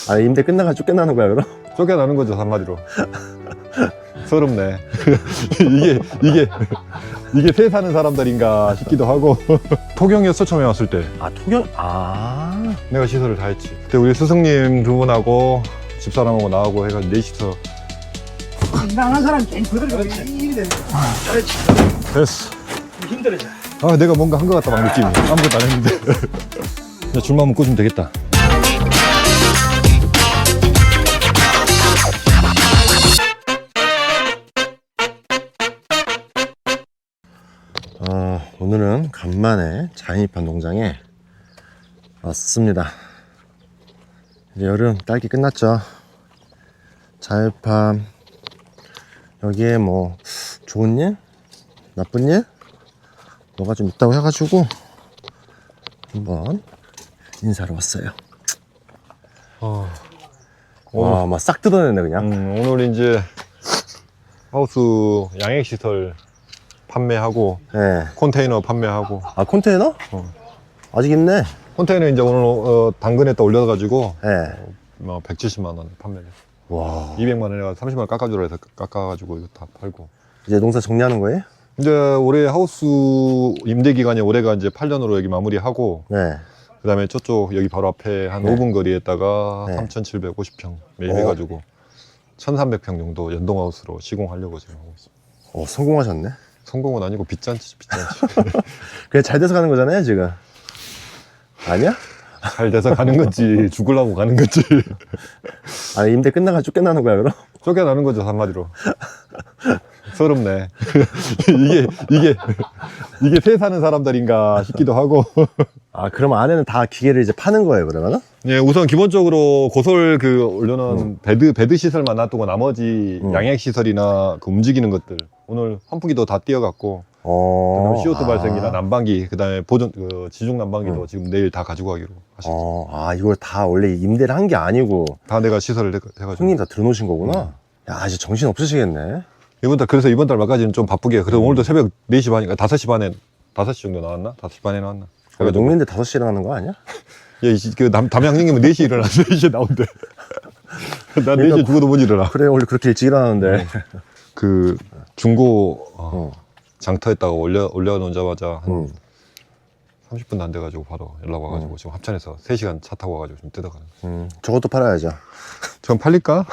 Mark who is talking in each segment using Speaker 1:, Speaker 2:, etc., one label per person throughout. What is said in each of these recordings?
Speaker 1: 아, 임대 끝나가 쫓겨나는 거야, 그럼?
Speaker 2: 쫓겨나는 거죠, 한마디로. 서럽네. 이게 새 사는 사람들인가 싶기도 하고. 토경이었어, 처음에 왔을 때.
Speaker 1: 아, 토경? 아.
Speaker 2: 내가 시설을 다 했지. 그때 우리 스승님 두 분하고 집사람하고 나하고 해가지고 넷이서.
Speaker 3: 이상한 사람 괜히 그대로 일이 되는 거야.
Speaker 2: 됐어.
Speaker 3: 힘들어져.
Speaker 2: 아, 내가 뭔가 한 것 같다, 막 느낌이. 아무것도 안 했는데. 이제 줄만 한번 꽂으면 되겠다.
Speaker 1: 오늘은 간만에 자연입한 농장에 왔습니다. 이제 여름 딸기 끝났죠. 자연입함 여기에 뭐 좋은 일? 나쁜 일? 뭐가 좀 있다고 해가지고 한번 인사를 왔어요. 와, 막 싹 뜯어냈네 그냥.
Speaker 2: 오늘 이제 하우스 양액시설 판매하고,
Speaker 1: 네.
Speaker 2: 컨테이너 판매하고.
Speaker 1: 아, 컨테이너? 아직 있네.
Speaker 2: 컨테이너 이제 오늘 당근에다 올려가지고
Speaker 1: 네.
Speaker 2: 뭐 170만 원 판매를.
Speaker 1: 와,
Speaker 2: 200만 원에 30만 원 깎아주라 해서 깎아가지고 이거 다 팔고.
Speaker 1: 이제 농사 정리하는 거예요?
Speaker 2: 이제 올해 하우스 임대 기간이 올해가 이제 8년으로 여기 마무리하고,
Speaker 1: 네.
Speaker 2: 그 다음에 저쪽 여기 바로 앞에 한
Speaker 1: 네.
Speaker 2: 5분 거리에다가
Speaker 1: 네.
Speaker 2: 3,750평 매입해가지고 1,300평 정도 연동하우스로 시공하려고 지금 하고 있습니다.
Speaker 1: 성공하셨네.
Speaker 2: 성공은 아니고 빚잔치지, 빚잔치.
Speaker 1: 그게 잘 돼서 가는 거잖아요, 지금. 아니야?
Speaker 2: 잘 돼서 가는 건지 죽으려고 가는 건지.
Speaker 1: 아, 임대 끝나가 쫓겨나는 거야, 그럼?
Speaker 2: 쫓겨나는 거죠, 한마디로. 서럽네. 이게 새 사는 사람들인가 싶기도 하고.
Speaker 1: 아, 그럼 안에는 다 기계를 이제 파는 거예요, 그러면은?
Speaker 2: 예, 우선 기본적으로 고솔 올려놓은 베드 시설만 놔두고 나머지 양액 시설이나 그 움직이는 것들 오늘 환풍기도 다 띄어갖고, 그다음에 CO2 발생기나 난방기, 그다음에 보존 지중 난방기도 지금 내일 다 가지고 가기로 하셨어요.
Speaker 1: 이걸 다 원래 임대를 한 게 아니고
Speaker 2: 다 내가 시설을 해가지고.
Speaker 1: 손님 다 들어놓으신 거구나. 야, 이제 정신 없으시겠네.
Speaker 2: 그래서 이번 달 말까지는 좀 바쁘게. 그래서 오늘도 새벽 4시 반인가 5시 반에 5시 정도 나왔나? 5시 반에 나왔나?
Speaker 1: 그러니까 농민들 5시에 일어나는 거 아니야?
Speaker 2: 예, 담양님은 4시에 일어나 4시에 나온대. 난 4시에 죽어도 못 일어나.
Speaker 1: 그래, 원래 그렇게 일찍 일어나는데.
Speaker 2: 그 중고 장터에다가 올려놓자마자 한 30분도 안 돼가지고 바로 연락 와가지고 지금 합천에서 3시간 차 타고 와가지고 지금 뜯어가는.
Speaker 1: 저것도 팔아야죠.
Speaker 2: 전 팔릴까?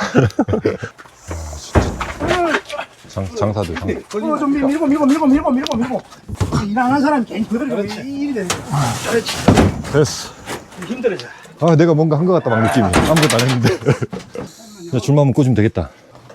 Speaker 2: 장사들.
Speaker 3: 좀 밀고. 이상한 사람 괜히 그대로 일이 되는 거야.
Speaker 2: 됐어.
Speaker 3: 힘들어져.
Speaker 2: 아, 내가 뭔가 한 것 같다, 막 느낌이. 아무것도 안 했는데. 이제 줄만 한번 꽂으면 되겠다.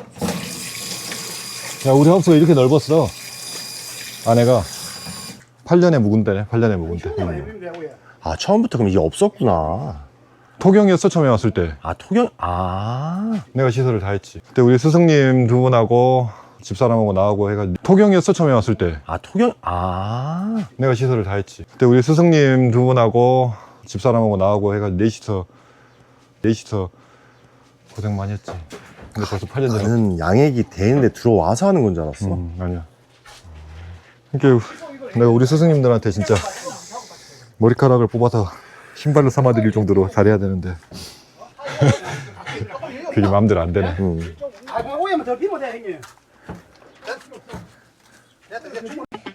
Speaker 2: 야, 우리 하우스가 이렇게 넓었어. 안에가 8년에 묵은 데네, 8년에 묵은 데.
Speaker 1: 아, 처음부터 그럼 이게 없었구나.
Speaker 2: 토경이었어, 처음에 왔을 때.
Speaker 1: 아, 토경? 아.
Speaker 2: 내가 시설을 다 했지. 그때 우리 스승님 두 분하고 집사람하고 나하고 해가지고. 토경이었어, 처음에 왔을 때.
Speaker 1: 아, 토경? 아.
Speaker 2: 내가 시설을 다 했지. 그때 우리 스승님 두 분하고 집사람하고 나하고 해가지고 넷이서 고생 많이 했지. 근데 벌써 8년 전에.
Speaker 1: 나는 양액이 되는데 들어와서 하는 건 줄 알았어.
Speaker 2: 아니야. 그러니까 내가 우리 스승님들한테 진짜 머리카락을 뽑아서 신발을 삼아드릴 정도로 잘해야 되는데 그게 마음대로 안 되네.
Speaker 3: 오해면 더 비고 돼, 형님.